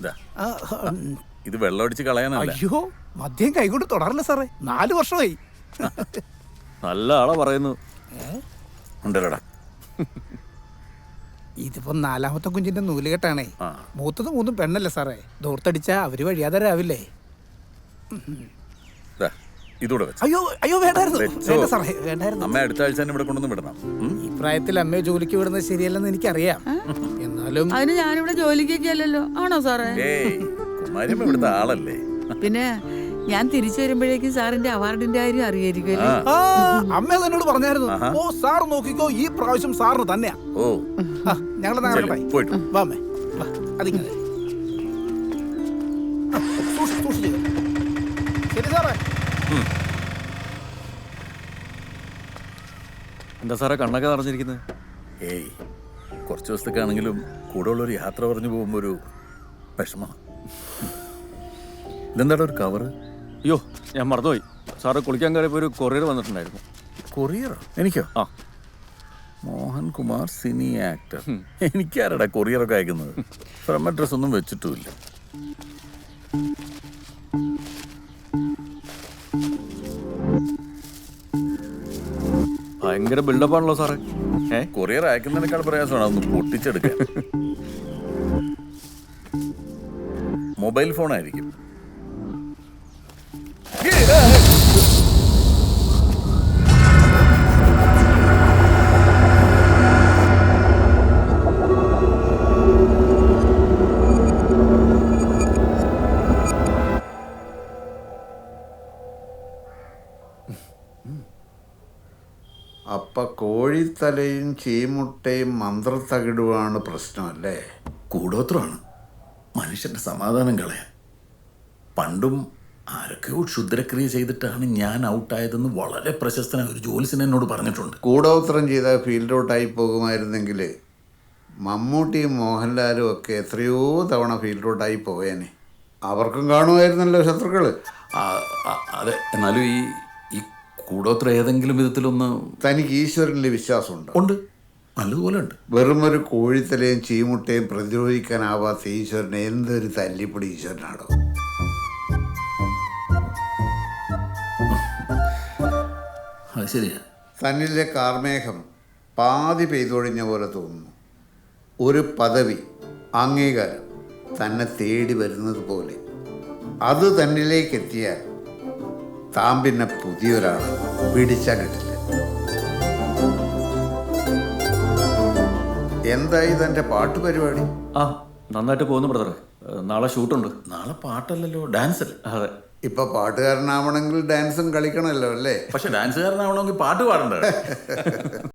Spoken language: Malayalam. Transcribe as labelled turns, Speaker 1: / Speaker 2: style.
Speaker 1: ആ,
Speaker 2: ഇത് വെള്ളമടിച്ച് കളയാനല്ല.
Speaker 1: അയ്യോ മദ്യം കൈകൊണ്ട് തുടരില്ല സാറേ, 4 വർഷമായി.
Speaker 3: നല്ല ആളാ പറയുന്നു.
Speaker 2: ഉണ്ടല്ലോടാ.
Speaker 1: ഇതിപ്പോ 4ാമത്തെ കുഞ്ചിന്റെ നൂലുകെട്ടാണേ.
Speaker 2: ആ.
Speaker 1: മൂത്തത് 3 പെണ്ണല്ലേ സാറേ, ദൂർത്തടിച്ചാ അവര് വഴിയാതരാവില്ലേ.
Speaker 2: ദാ, ഇതൂടെ വെച്ച്.
Speaker 1: അയ്യോ അയ്യോ വേണ്ടായിരുന്നു,
Speaker 2: വെച്ചോ.
Speaker 1: വേണ്ട സാറേ വേണ്ടായിരുന്നു.
Speaker 2: അമ്മ അടുത്ത ആഴ്ച തന്നെ ഇവിടെ കൊണ്ടൊന്നും വിടണം.
Speaker 1: ഈ പ്രായത്തിൽ അമ്മയെ ജോലിക്ക് വിടുന്നത് ശരിയല്ലെന്ന് എനിക്കറിയാം. എന്നാലും
Speaker 4: അതിന് ഞാനിവിടെ ജോലിക്കൊക്കെ അല്ലല്ലോ, ആണോ സാറേ?
Speaker 2: ഏയ് കുമാരിയമ്മ ഇവിടുത്തെ ആളല്ലേ.
Speaker 4: പിന്നെ ഞാൻ തിരിച്ചു വരുമ്പോഴേക്കും സാറിന്റെ അവാർഡിന്റെ കാര്യം അറിയായിരിക്കുമല്ലേ?
Speaker 1: ആ, അമ്മ എന്നോട് പറഞ്ഞായിരുന്നു. ഓ സാർ നോക്കിക്കോ, ഈ പ്രാവശ്യം സാറിന് തന്നെയാ.
Speaker 2: ഓ
Speaker 1: ഞങ്ങളെ
Speaker 2: ചെല്ല്, പോയിട്ട്.
Speaker 1: വാ അമ്മേ, വാ. അതിങ്ങനെ സൂക്ഷിച്ച്. ശരി സാറേ.
Speaker 3: എന്താ സാറേ കണ്ണൊക്കെ നിറഞ്ഞിരിക്കുന്നത്?
Speaker 2: ഏയ് കുറച്ച് ദിവസത്തേക്കാണെങ്കിലും കൂടെ ഉള്ളൊരു യാത്ര പറഞ്ഞു പോകുമ്പോൾ ഒരു വിഷമമാണ്. ഇതെന്താടാ ഒരു കവറ്?
Speaker 3: അയ്യോ ഞാൻ മറന്നുപോയി. സാറ് കുളിക്കാൻ കയറിയപ്പോൾ ഒരു കൊറിയർ വന്നിട്ടുണ്ടായിരുന്നു.
Speaker 2: കൊറിയറോ? എനിക്കോ?
Speaker 3: ആ
Speaker 2: മോഹൻ കുമാർ സിനി ആക്ടർ. എനിക്കാരടാ കൊറിയറൊക്കെ അയക്കുന്നത്? ഫ്രം അഡ്രസ് ഒന്നും വെച്ചിട്ടുമില്ല.
Speaker 3: ഭയങ്കര ബിൽഡപ്പാണല്ലോ സാറേ.
Speaker 2: കൊറിയർ അയക്കുന്നതിനേക്കാൾ പ്രയാസമാണ് അതൊന്ന് പൊട്ടിച്ചെടുക്കാൻ. മൊബൈൽ ഫോൺ ആയിരിക്കും.
Speaker 5: അപ്പ കോഴിത്തലയും ചീമുട്ടയും മന്ത്രത്തകിടുവാണ് പ്രശ്നമല്ലേ?
Speaker 2: കൂടോത്രമാണ് മനുഷ്യന്റെ സമാധാനം കളയാൻ. പണ്ടും ആരൊക്കെയോ ക്ഷുദ്രക്രിയ ചെയ്തിട്ടാണ് ഞാൻ ഔട്ടായതെന്ന് വളരെ പ്രശസ്തനായ ഒരു ജോലിസൻ എന്നോട് പറഞ്ഞിട്ടുണ്ട്.
Speaker 5: കൂടോത്രം ചെയ്ത ഫീൽഡ് ഔട്ടായി പോകുമായിരുന്നെങ്കിൽ മമ്മൂട്ടിയും മോഹൻലാലും ഒക്കെ എത്രയോ തവണ ഫീൽഡ് ഔട്ടായി പോയേനെ. അവർക്കും കാണുമായിരുന്നല്ലോ ശത്രുക്കൾ.
Speaker 2: അതെ, എന്നാലും ഈ കൂടോത്ര ഏതെങ്കിലും വിധത്തിലൊന്ന്
Speaker 5: തനിക്ക് ഈശ്വരനിൽ വിശ്വാസമുണ്ട്?
Speaker 2: ഉണ്ട്, നല്ലതുപോലെ ഉണ്ട്.
Speaker 5: വെറുമൊരു കോഴിത്തലയും ചീമുട്ടയും പ്രതിരോധിക്കാനാവാത്ത ഈശ്വരനെ എന്തൊരു തല്ലിപ്പൊടി ഈശ്വരനാണോ?
Speaker 2: അത് ശരിയാ.
Speaker 5: തന്നിലെ കാർമേഘം പാതി പെയ്തൊഴിഞ്ഞ പോലെ തോന്നുന്നു. ഒരു പദവി, അംഗീകാരം തന്നെ തേടി വരുന്നത് പോലെ. അത് തന്നിലേക്ക് എത്തിയാൽ താൻ പിന്നെ പുതിയൊരാൾ പിടിച്ചാൽ കിട്ടില്ല. എന്തായി തൻ്റെ പാട്ട് പരിപാടി?
Speaker 3: ആ നന്നായിട്ട് പോകുന്നു ബ്രദറെ. നാളെ ഷൂട്ടുണ്ട്.
Speaker 2: നാളെ പാട്ടല്ലല്ലോ, ഡാൻസ് അല്ലേ?
Speaker 3: അതെ.
Speaker 5: ഇപ്പൊ പാട്ടുകാരനാവണമെങ്കിൽ ഡാൻസും കളിക്കണമല്ലോ അല്ലേ?
Speaker 2: പക്ഷെ ഡാൻസുകാരനാവണമെങ്കിൽ പാട്ട് പാടണ്ടേ?